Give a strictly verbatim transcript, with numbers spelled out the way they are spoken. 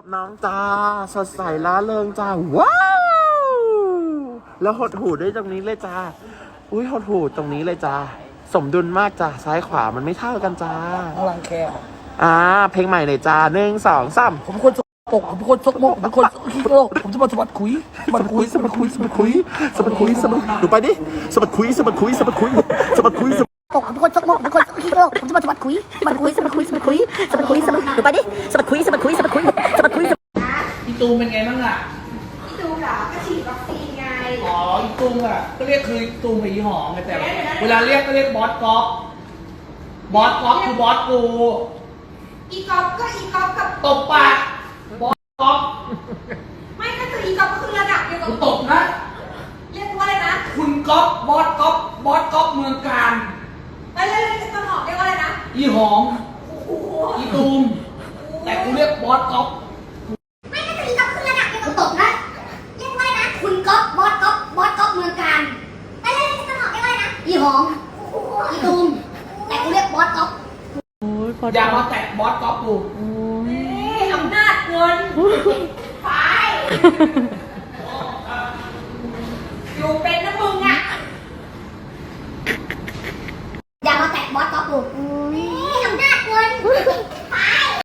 กับน้องจ้าสดใสล้าเริงจ้าว้าวแล้วหดหูด้วยตรงนี้เลยจ้าอุ้ยหดหูตรงนี้เลยจ้าสมดุลมากจ้าซ้ายขวามันไม่เท่ากันจ้าข้างหลังแคบอ่าเพลงใหม่เลยจ้าหนึ่งสองสามผมเป็นคนสกปรกผมเป็นคนสกมกผมเป็นคนขี้โลกผมจะมาสะบัดคุยสะบัดคุยสะบัดคุยสะบัดคุยสะบัดคุยสะบัดหนูไปดิสะบัดคุยสะบัดคุยสะบัดคุยสะบัดคุยสะบัดปกผมเป็นคนชกมกผมเป็นคนขี้โลกผมจะมาสะบัดคุยสะบัดคุยสะบัดคุยสะบัดคุยสะบัดคุยสะบัดหนูไปดิสะบัดคุยสะบัดคุยสะบัดคุยสะบัดคุยอีตูมเป็นไงบ้างอ่ะพี่ตูมเหรอก็ฉีดวัคซีนไงอ๋ออีตูมอ่ะก็เรียกคืออีตูมกับอีหอมไงแต่เวลาเรียกก็เรียกบอสก๊อฟบอสก๊อฟคือบอสกูอีกอฟก็อีกอฟกับตบปากบอสก๊อฟไม่ก็คืออีกอฟก็คือระดับเดียวกักูบตบนะเรียกว่าอะไรนะคุณก๊อฟบอสก๊อฟบอสก๊อฟเมืองการไอ้เรื่องต้นหอมเรียกว่าอะไรนะอีหอมโอ้โหอีตูมแต่กูเรียกบอสก๊อฟไม่ก็คืออีกอฟคือระดับเดียวกับตบนะเรียกว่าอะไรนะคุณก๊อฟบอสก๊อฟบอสก๊อฟเมืองการไอ้เรื่องต้นหอมเรียกว่าอะไรนะอีหอมอีตูมแต่กูเรียกบอสก๊อฟอย่ามาแตะบอสก๊อฟกูนี่อำนาจเงินไป